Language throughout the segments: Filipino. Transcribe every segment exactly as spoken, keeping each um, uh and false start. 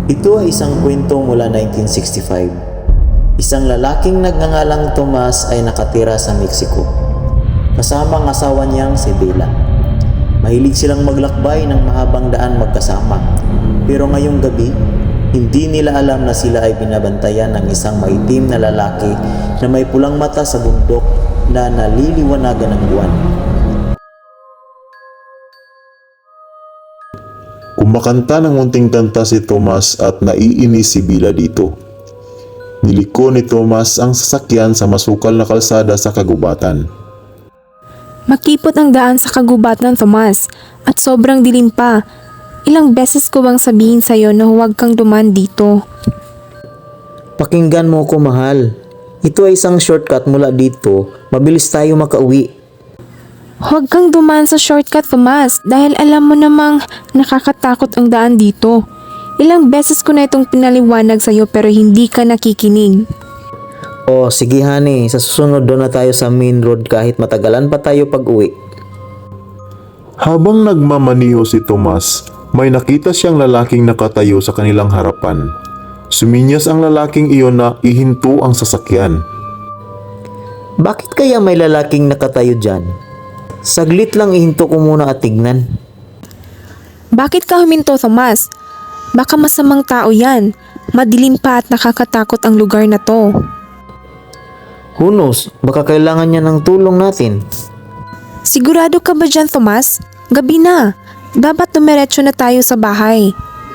Ito ay isang kwento mula nineteen sixty-five. Isang lalaking nagngangalang Tomas ay nakatira sa Mexico. Kasama ang asawa niyang si Bella. Mahilig silang maglakbay ng mahabang daan magkasama. Pero ngayong gabi, hindi nila alam na sila ay binabantayan ng isang maitim na lalaki na may pulang mata sa bundok na naliliwanagan ng buwan. Kumakanta ng munting kanta si Tomas at naiinis si Bella dito. Niliko ni Tomas ang sasakyan sa masukal na kalsada sa kagubatan. Makipot ang daan sa kagubatan, Tomas, at sobrang dilim pa. Ilang beses ko bang sabihin sa'yo na huwag kang dumaan dito? Pakinggan mo ko, mahal. Ito ay isang shortcut mula dito. Mabilis tayo makauwi. Huwag kang dumaan sa shortcut, Tomas, dahil alam mo namang nakakatakot ang daan dito. Ilang beses ko na itong pinaliwanag sa'yo pero hindi ka nakikinig. Oh, sige honey, sa susunod doon na tayo sa main road kahit matagalan pa tayo pag-uwi. Habang nagmamaniho si Tomas, may nakita siyang lalaking nakatayo sa kanilang harapan. Suminyas ang lalaking iyon na ihinto ang sasakyan. Bakit kaya may lalaking nakatayo dyan? Saglit lang ihinto ko muna at tignan. Bakit ka huminto, Tomas? Baka masamang tao yan. Madilim pa at nakakatakot ang lugar na to. Who knows, baka kailangan niya ng tulong natin. Sigurado ka ba dyan, Tomas? Gabi na. Dapat dumiretso na tayo sa bahay.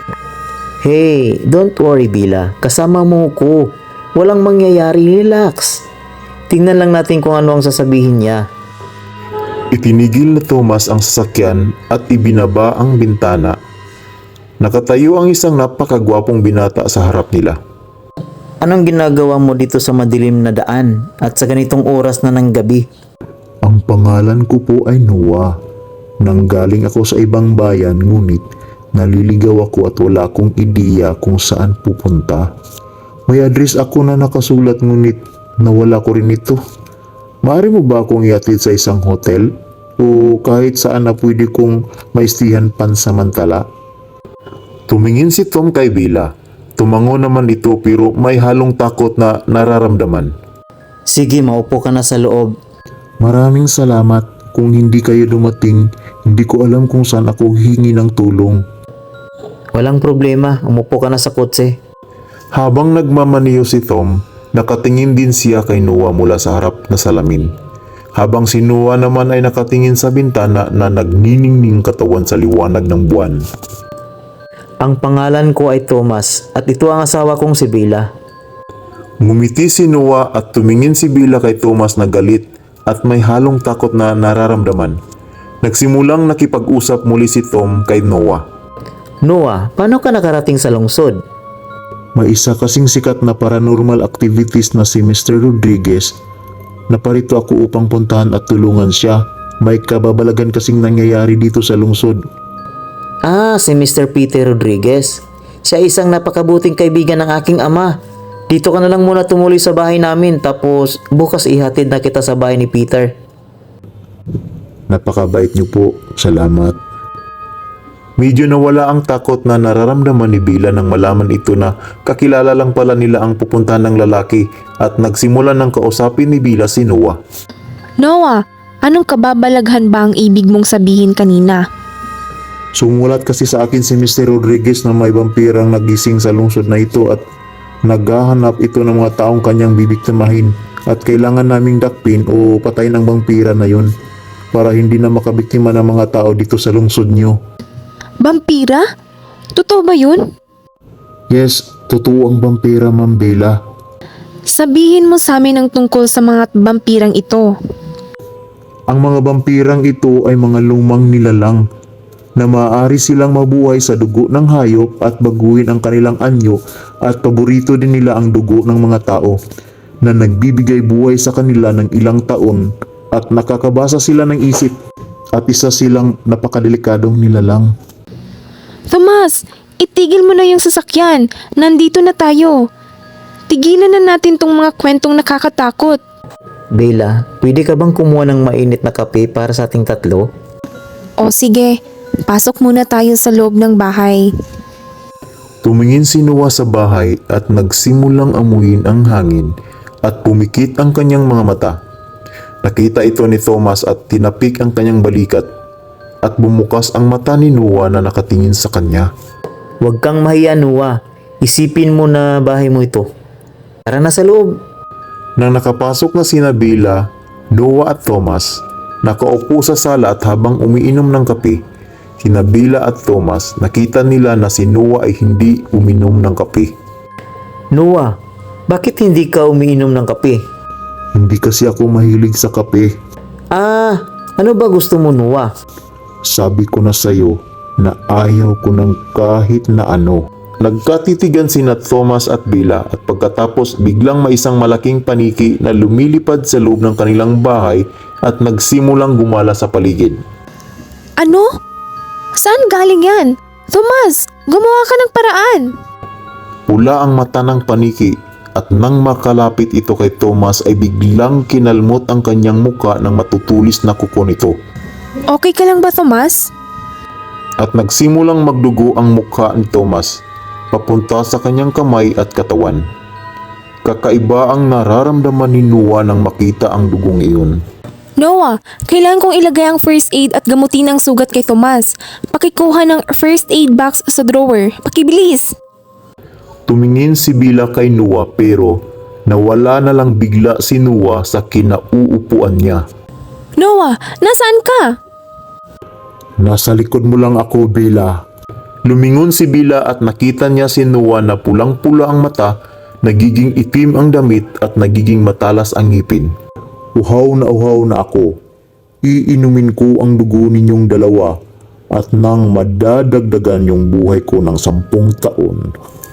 Hey, don't worry Bella. Kasama mo ko. Walang mangyayari, relax. Tingnan lang natin kung ano ang sasabihin niya. Itinigil na Tomas ang sasakyan at ibinaba ang bintana. Nakatayo ang isang napakagwapong binata sa harap nila. Anong ginagawa mo dito sa madilim na daan at sa ganitong oras na ng gabi? Ang pangalan ko po ay Noah. Nanggaling ako sa ibang bayan ngunit naliligaw ako at wala akong ideya kung saan pupunta. May address ako na nakasulat ngunit nawala ko rin ito. Maaari mo ba akong ihatid sa isang hotel o kahit saan na pwede kong maistihan pansamantala? Tumingin si Tom kay Bella. Tumango naman ito pero may halong takot na nararamdaman. Sige, maupo ka na sa loob. Maraming salamat. Kung hindi kayo dumating, hindi ko alam kung saan ako hingi ng tulong. Walang problema, umupo ka na sa kotse. Habang nagmamaniho si Tom, nakatingin din siya kay Noah mula sa harap na salamin. Habang si Noah naman ay nakatingin sa bintana na nagniningning katawan sa liwanag ng buwan. Ang pangalan ko ay Thomas at ito ang asawa kong si Bella. Ngumiti si Noah at tumingin si Bella kay Thomas na galit at may halong takot na nararamdaman. Nagsimulang nakipag-usap muli si Tom kay Noah. Noah, paano ka nakarating sa lungsod? May isa kasing sikat na paranormal activities na si Mister Rodriguez. Naparito ako upang puntahan at tulungan siya. May kababalagan kasing nangyayari dito sa lungsod. Ah, si Mister Peter Rodriguez. Siya isang napakabuting kaibigan ng aking ama. Dito ka na lang muna tumuloy sa bahay namin tapos bukas ihatid na kita sa bahay ni Peter. Napakabait niyo po. Salamat. Medyo nawala ang takot na nararamdaman ni Bella nang malaman ito na kakilala lang pala nila ang pupuntahan ng lalaki at nagsimula ng kausapin ni Bella si Noah. Noah, anong kababalaghan ba ang ibig mong sabihin kanina? Sumulat kasi sa akin si Mister Rodriguez na may vampirang nagising sa lungsod na ito at naghahanap ito ng mga taong kanyang bibiktimahin at kailangan naming dakpin o patayin ang vampira na yun para hindi na makabiktima ng mga tao dito sa lungsod nyo. Vampira? Totoo ba yun? Yes, totoo ang vampira, Ma'am Bella. Sabihin mo sa amin ang tungkol sa mga vampirang ito. Ang mga vampirang ito ay mga lumang nilalang na maaari silang mabuhay sa dugo ng hayop at baguhin ang kanilang anyo at paborito din nila ang dugo ng mga tao na nagbibigay buhay sa kanila ng ilang taon at nakakabasa sila ng isip at isa silang napakadelikadong nilalang. Tomas, itigil mo na yung sasakyan. Nandito na tayo. Tigilan na natin tong mga kwentong nakakatakot. Bella, pwede ka bang kumuha ng mainit na kape para sa ating tatlo? O sige, pasok muna tayo sa loob ng bahay. Tumingin si Noah sa bahay at nagsimulang amuyin ang hangin at pumikit ang kanyang mga mata. Nakita ito ni Thomas at tinapik ang kanyang balikat at bumukas ang mata ni Noah na nakatingin sa kanya. Huwag kang mahiya, Noah. Isipin mo na bahay mo ito. Tara na sa loob. Nang nakapasok na sina Bella, Noah at Thomas, nakaupo sa sala at habang umiinom ng kape, sina Bella at Thomas nakita nila na si Noah ay hindi uminom ng kape. Noah, bakit hindi ka umiinom ng kape? Hindi kasi ako mahilig sa kape. Ah, ano ba gusto mo, Noah? Sabi ko na sa'yo na ayaw ko ng kahit na ano. Nagkatitigan sina Thomas at Bella at pagkatapos biglang may isang malaking paniki na lumilipad sa loob ng kanilang bahay at nagsimulang gumala sa paligid. Ano? Saan galing yan? Tomas, gumawa ka ng paraan. Pula ang mata ng paniki at nang makalapit ito kay Thomas ay biglang kinalmot ang kanyang muka ng matutulis na kuko nito. Okay ka lang ba, Tomas? At nagsimulang magdugo ang mukha ni Thomas papunta sa kanyang kamay at katawan. Kakaiba ang nararamdaman ni Noah nang makita ang dugong iyon. Noah, kailangan kong ilagay ang first aid at gamutin ang sugat kay Tomas. Pakikuha ng first aid box sa drawer. Pakibilis! Tumingin si Bella kay Noah pero nawala na lang bigla si Noah sa kinauupuan niya. Noah, nasaan ka? Nasa likod mo lang ako, Bella. Lumingon si Bella at nakita niya si Noah na pulang-pula ang mata, nagiging itim ang damit at nagiging matalas ang ngipin. Uhaw na uhaw na ako. Iinumin ko ang dugo ninyong dalawa at nang madadagdagan yung buhay ko ng sampung taon.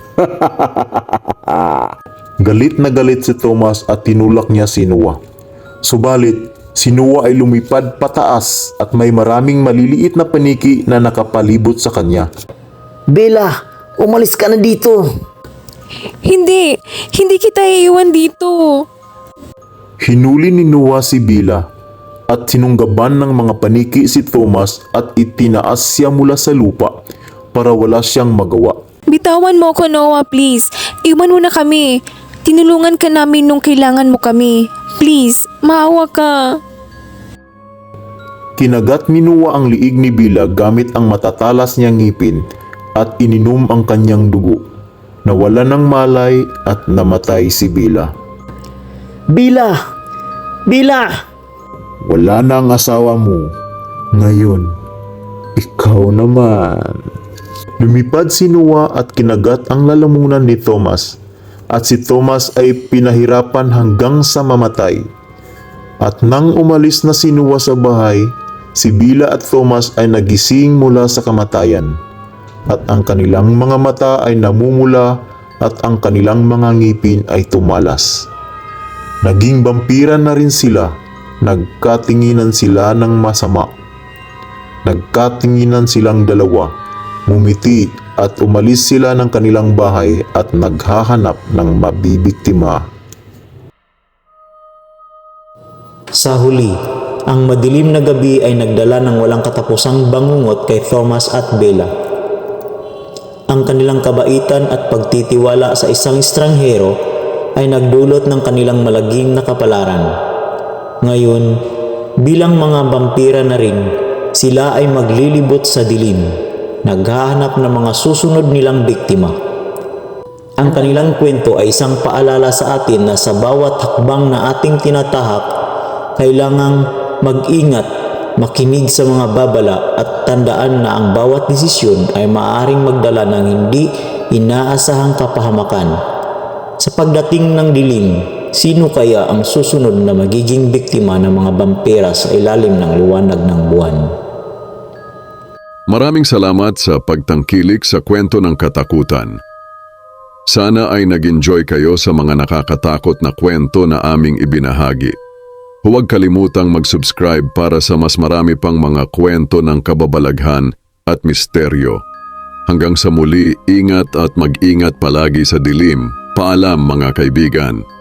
Galit na galit si Thomas at tinulak niya si Noah. Subalit, si Noah ay lumipad pataas at may maraming maliliit na paniki na nakapalibot sa kanya. Bella, umalis ka na dito. Hindi, hindi kita iiwan dito. Hinuli ni Noah si Bella at sinunggaban ng mga paniki si Thomas at itinaas siya mula sa lupa para wala siyang magawa. Bitawan mo ko, Noah, please. Iwan mo na kami. Tinulungan ka namin nung kailangan mo kami. Please, maawa ka. Kinagat ni Noah ang liig ni Bella gamit ang matatalas niyang ngipin at ininom ang kanyang dugo. Nawala ng malay at namatay si Bella. Bella! Bella! Wala na ang asawa mo. Ngayon, ikaw naman. Lumipad si Noah at kinagat ang lalamunan ni Thomas at si Thomas ay pinahirapan hanggang sa mamatay. At nang umalis na si Noah sa bahay, si Bella at Thomas ay nagising mula sa kamatayan at ang kanilang mga mata ay namumula at ang kanilang mga ngipin ay tumalas. Naging vampira na rin sila. Nagkatinginan sila ng masama. Nagkatinginan silang dalawa. Mumiti at umalis sila ng kanilang bahay at naghahanap ng mabibiktima. Sa huli, ang madilim na gabi ay nagdala ng walang katapusang bangungot kay Thomas at Bella. Ang kanilang kabaitan at pagtitiwala sa isang estranghero ay nagdulot ng kanilang malagim na kapalaran. Ngayon, bilang mga vampira na rin, sila ay maglilibot sa dilim, naghahanap ng mga susunod nilang biktima. Ang kanilang kwento ay isang paalala sa atin na sa bawat hakbang na ating tinatahak, kailangang mag-ingat, makinig sa mga babala at tandaan na ang bawat desisyon ay maaaring magdala ng hindi inaasahang kapahamakan. Sa pagdating ng dilim, sino kaya ang susunod na magiging biktima ng mga vampira sa ilalim ng liwanag ng buwan? Maraming salamat sa pagtangkilik sa kwento ng katakutan. Sana ay nag-enjoy kayo sa mga nakakatakot na kwento na aming ibinahagi. Huwag kalimutang mag-subscribe para sa mas marami pang mga kwento ng kababalaghan at misteryo. Hanggang sa muli, ingat at mag-ingat palagi sa dilim. Paalam mga kaibigan.